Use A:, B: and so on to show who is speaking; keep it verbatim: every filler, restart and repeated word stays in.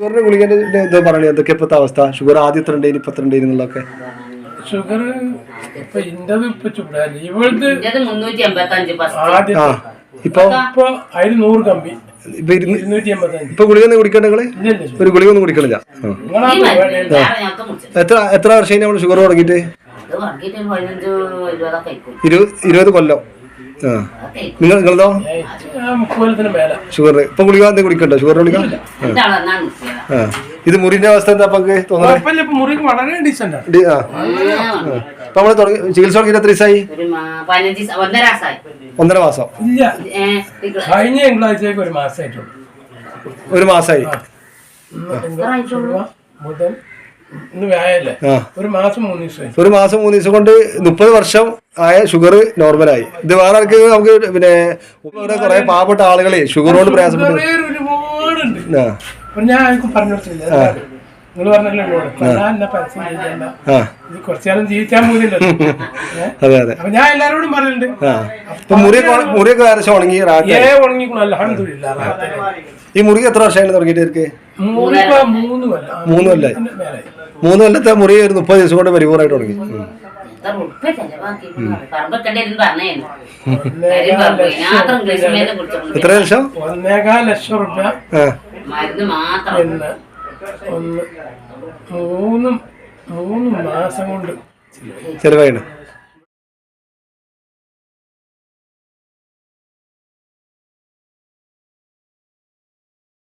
A: ഷുഗറിന്റെ ഗുളികന്റെ എന്താ പറയുക എന്തൊക്കെ ഇപ്പോഴത്തെ അവസ്ഥ? ഷുഗർ ആദ്യം എത്ര ഉണ്ടായിരുന്നു ഇപ്പൊ എത്ര ഉണ്ടായിരുന്നു എന്നുള്ളതൊക്കെ?
B: ഷുഗർ ഇപ്പൊ ഇന്റത് ഇപ്പൊ ചൂടാണ് ഇവളത്
A: ഇപ്പൊ
B: ഇപ്പൊ അതിന് നൂറ് കമ്പി
A: ഇപ്പൊ ഗുളിക ഒന്നും കുടിക്കണ്ട നിങ്ങള്? ഒരു ഗുളിക ഒന്നും കുടിക്കണില്ല. എത്ര എത്ര വർഷം നമ്മള് ഷുഗർ തുടങ്ങിയിട്ട്? ഇരുപത് കൊല്ലം. ആ നിങ്ങൾ നിങ്ങളതോ? ഷുഗർ ഇപ്പൊ ഗുളിക എന്തെങ്കിലും കുടിക്കണ്ടോ? ഷുഗർ ഗുളിക? ആ ഇത് മുറിന്റെ അവസ്ഥ എന്താ തോന്നുന്നത്?
B: മുറിക്ക് വളരെ ഡീസന്റ്
A: ഇപ്പൊ നമ്മള് തുടങ്ങി ചികിത്സ തുടങ്ങിയിട്ട് എത്ര ദിവസമായി? ഒന്നര മാസം.
B: ഇല്ല കഴിഞ്ഞ തിങ്കളാഴ്ചക്ക് ഒരു മാസമായിട്ടുള്ളൂ.
A: ഒരു മാസമായി.
B: ഒരു മാസം മൂന്ന് ദിവസം
A: ഒരു മാസം മൂന്ന് ദിവസം കൊണ്ട് മുപ്പത് വർഷം ആയ ഷുഗർ നോർമലായി. ഇത് വേറെ ആൾക്ക് നമുക്ക് പിന്നെ കുറെ പാവപ്പെട്ട ആളുകളെ ഷുഗർ കൊണ്ട് പ്രയാസപ്പെട്ടു
B: ഒരുപാടുണ്ട്. ഞാൻ ആർക്കും പറഞ്ഞു കൊടുത്തില്ല. നിങ്ങൾ പറഞ്ഞല്ലോ കുറച്ചുകാലം ജീവിക്കാൻ പോലില്ലോ. അപ്പൊ ഞാൻ എല്ലാരോടും പറഞ്ഞിട്ടുണ്ട്.
A: മുറിയൊക്കെ ഏകദേശം ഉണങ്ങി
B: ഉണങ്ങിക്കോളൂ. അൽഹംദുലില്ലാഹ്.
A: ഈ മുറി എത്ര വർഷമായിട്ട് തുടങ്ങിയിട്ട്?
B: മൂന്ന്
A: മൂന്ന് കൊല്ലായി. മൂന്ന് കൊല്ലത്തെ മുറി ഒരു മുപ്പത് ദിവസം കൊണ്ട് പരിപൂർണമായിട്ട് തുടങ്ങി. എത്ര ലക്ഷം?
B: ഒന്നേകാൽ ലക്ഷം റുപ്യ ഒന്ന് മൂന്ന് മൂന്ന് മാസം കൊണ്ട്
A: ചെലവായിണ്.